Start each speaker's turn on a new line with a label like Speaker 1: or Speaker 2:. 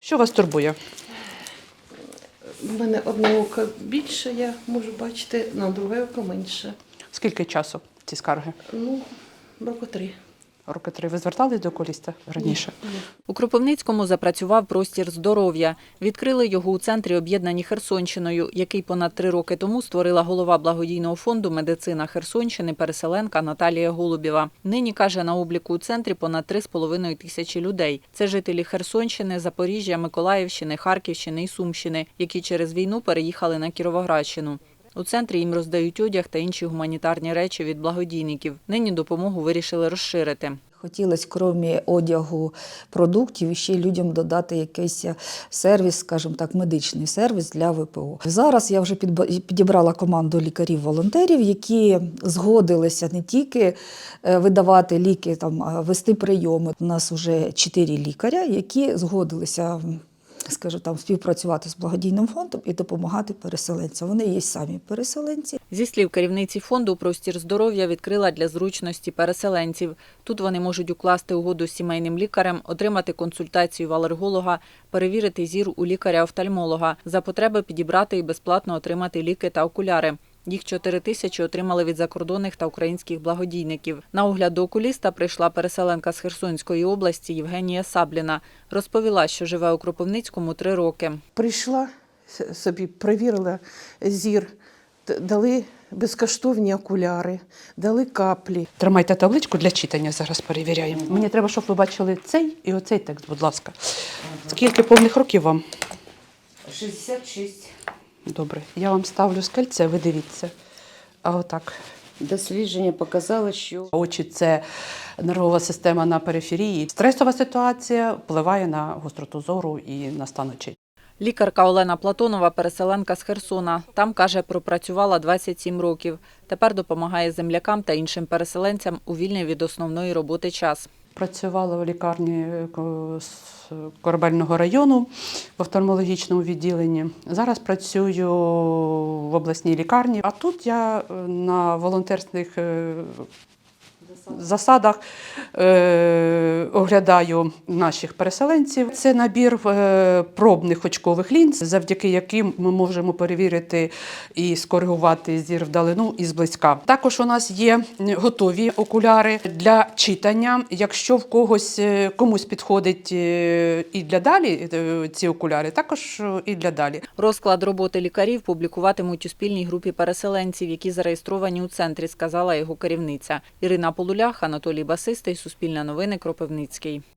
Speaker 1: Що вас турбує?
Speaker 2: У мене одне око більше, я можу бачити, на друге око менше.
Speaker 1: Скільки часу ці скарги?
Speaker 2: Роки 3.
Speaker 1: Роки 3. Ви звертались до окуліста раніше?
Speaker 2: Ні.
Speaker 3: У Кропивницькому запрацював простір здоров'я. Відкрили його у центрі, об'єднані Херсонщиною, який понад 3 роки тому створила голова благодійного фонду «Медицина Херсонщини» переселенка Наталія Голубєва. Нині, каже, на обліку у центрі понад 3,5 тисячі людей. Це жителі Херсонщини, Запоріжжя, Миколаївщини, Харківщини і Сумщини, які через війну переїхали на Кіровоградщину. У центрі їм роздають одяг та інші гуманітарні речі від благодійників. Нині допомогу вирішили розширити.
Speaker 4: Хотілося, крім одягу, продуктів, ще людям додати якийсь сервіс, скажімо так, медичний сервіс для ВПО. Зараз я вже підібрала команду лікарів-волонтерів, які згодилися не тільки видавати ліки, вести прийоми. У нас вже 4 лікаря, які згодилися, скажімо, співпрацювати з благодійним фондом і допомагати переселенцям. Вони є самі переселенці.
Speaker 3: Зі слів керівниці фонду, простір здоров'я відкрила для зручності переселенців. Тут вони можуть укласти угоду з сімейним лікарем, отримати консультацію в алерголога, перевірити зір у лікаря-офтальмолога, за потреби підібрати і безплатно отримати ліки та окуляри. Їх 4 тисячі отримали від закордонних та українських благодійників. На огляд до окуліста прийшла переселенка з Херсонської області Євгенія Сабліна. Розповіла, що живе у Кропивницькому 3 роки.
Speaker 2: Прийшла собі, перевірила зір, дали безкоштовні окуляри, дали каплі.
Speaker 1: Тримайте табличку для читання, зараз перевіряємо. Мені треба, щоб ви бачили цей і оцей текст, будь ласка. Скільки повних років вам?
Speaker 5: 66.
Speaker 1: Добре. Я вам ставлю скальце, ви дивіться. А отак.
Speaker 5: Дослідження показало, що
Speaker 1: Очі – це нервова система на периферії. Стресова ситуація впливає на гостроту зору і на стан очей.
Speaker 3: Лікарка Олена Платонова – переселенка з Херсона. Там, каже, пропрацювала 27 років. Тепер допомагає землякам та іншим переселенцям у вільний від основної роботи час.
Speaker 1: Працювала в лікарні Корабельного району в офтальмологічному відділенні. Зараз працюю в обласній лікарні, а тут я на волонтерських засадах оглядаю наших переселенців. Це набір пробних очкових лінз, завдяки яким ми можемо перевірити і скоригувати зір вдалину і зблизька. Також у нас є готові окуляри для читання. Якщо в комусь підходить і для далі ці окуляри, також і для далі.
Speaker 3: Розклад роботи лікарів публікуватимуть у спільній групі переселенців, які зареєстровані у центрі, сказала його керівниця. Ірина Полулях, Анатолій Басистий, Суспільне новини, Кропивницький.